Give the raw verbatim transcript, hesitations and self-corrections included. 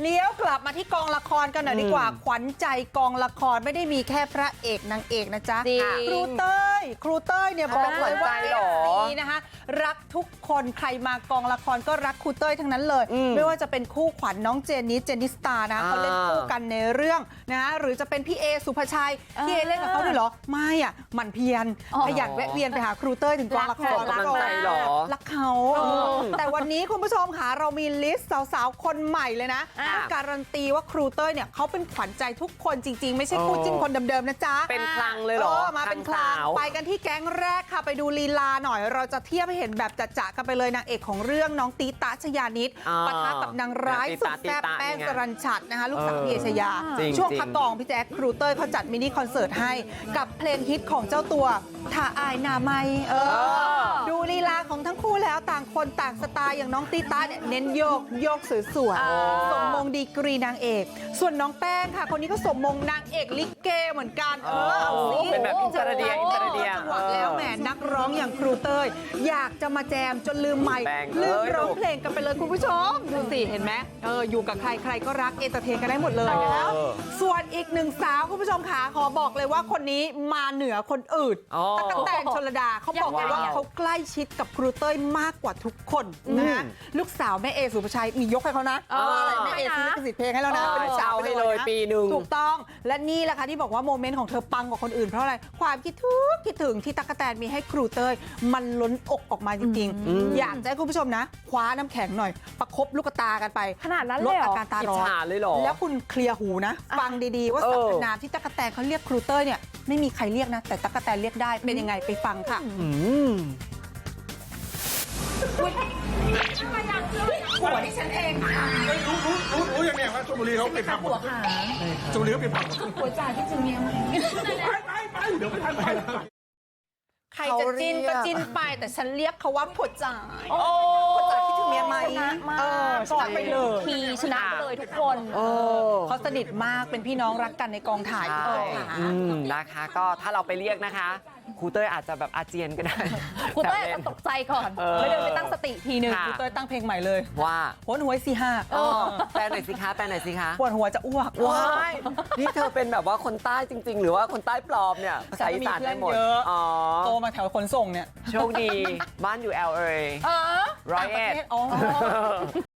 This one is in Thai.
เลี้ยวกลับมาที่กองละครกันหน่อยดีกว่าขวัญใจกองละครไม่ได้มีแค่พระเอกนางเอกนะจ๊ะครูเต้ยครูเต้ยเนี่ยบอกเลยว่าเอฟซีนะคะรักทุกคนใครมากองละครก็รักครูเต้ยทั้งนั้นเลยไม่ว่าจะเป็นคู่ขวัญน้องเจนนิสเจนนิสตานะเขาเล่นคู่กันในเรื่องนะหรือจะเป็นพี่เอสุภาชัยพี่เอเล่นกับเขาด้วยเหรอไม่อ่ะหมั่นเพียรขยันแวะเวียนไปหาครูเต้ยถึงกองละครรักรักเขาแต่วันนี้คุณผู้ชมค่ะเรามีลิสต์สาวๆคนใหม่เลยนะการันตีว่าครูเต้ยเนี่ยเขาเป็นขวัญใจทุกคนจริงๆไม่ใช่คู่จิ้นคนเดิมๆนะจ๊ะเป็นคลังเลยเหรอมาเป็นคลังไปกันที่แก๊งแรกค่ะไปดูลีลาหน่อยเราจะเทียบให้เห็นแบบจะๆกันไปเลยนางเอกของเรื่องน้องตีตาชยานิดปะทะกับนางร้ายสุดแซ่บแป้งสรัญชัดนะคะลูกสาวพี่เอชยาช่วงพักกองพี่แจ๊คครูเต้ยเขาจัดมินิคอนเสิร์ตให้กับเพลงฮิตของเจ้าตัวถ้าอายนาไม่เออดูลีลาของทั้งคู่แล้วต่างคนต่างสไตล์อย่างน้องตีตาเนี่ยเน้นโยกโยกสวยๆสมมงดีกรีนางเอกส่วนน้องแป้งค่ะคนนี้ก็สมมงนางเอกลิเกเหมือนกันเออเอาสิเป็นแบบอินเตอร์เดียอินเตอร์เดียจังหวะแล้วแหมนักร้องอย่างครูเต้ยอยากจะมาแจมจนลืมไมค์ลืมร้องเพลงกันไปเลยคุณผู้ชมดูสิเห็นไหมเอออยู่กับใครใครก็รักเอนเตอร์เทนกันได้หมดเลยแล้วส่วนอีกหนึ่งสาวคุณผู้ชมขาขอบอกเลยว่าคนนี้มาเหนือคนอื่นตั๊กแตนชลดาเขาบอกเลยว่าเขาใกล้ชิดกับครูเต้ยมากกว่าทุกคนนะลูกสาวแม่เอสุภาชัยมียกให้เขานะแม่เอซื้อลิขสิทธิ์เพลงให้แล้วนะเป็นเจ้าให้เลยปีหนึ่งถูกต้องและนี่แหละค่ะที่บอกว่าโมเมนต์ของเธอปังกว่าคนอื่นเพราะอะไรความคิดถึงคิดถึงที่ตั๊กแตนมีให้ครูเต้ยมันล้นอกออกมาจริงๆอยากจะให้คุณผู้ชมนะคว้าน้ำแข็งหน่อยประคบลูกตากันไปขนาดนั้นเลยเหรอลดอาการตาร้อนแล้วคุณเคลียร์หูนะฟังดีๆว่าสรรพนามที่ตั๊กแตนเขาเรียกครูเต้ยเนี่ยไม่มีใครเรียกนะแต่ตั๊กแตนเรียกได้เป็นยังไงไปฟังค่ะหัวที่ฉันเองรู้รู้รู้รู้ยังไงว่าชลบุรีเขาเป็นผับหมดชลบุรีเขาเป็นผับหมดหัวจ่าที่จึงเมียมันไปไปไปเดี๋ยวไม่ทันไปใครจะจิ้นก็จิ้นไปแต่ฉันเรียกเขาว่าผัวจ่าผัวจ่าที่ถึงเมียไหมเออชนะไปเลยทีชนะไปเลยทุกคนเขาสนิทมากเป็นพี่น้องรักกันในกองถ่ายทุกคนค่ะนะคะก็ถ้าเราไปเรียกนะคะครูเต้ยอาจจะแบบอาเจียนก็ได้ครูเต้ยอาจจะตกใจก่อนไม่เดินไปตั้งสติทีหนึ่งครูเต้ยตั้งเพลงใหม่เลยว่าโหนหวยสี่ห้าแปลหน่อยสิคะแปลหน่อยสิคะปวดหัวจะอ้วกว้ายนี่เธอเป็นแบบว่าคนใต้จริงๆหรือว่าคนใต้ปลอมเนี่ยภาษาอีสานได้หมดอ๋อโตมาแถวขนส่งเนี่ยโชคดีบ้านอยู่ แอล เอ ร้อยเอ็ด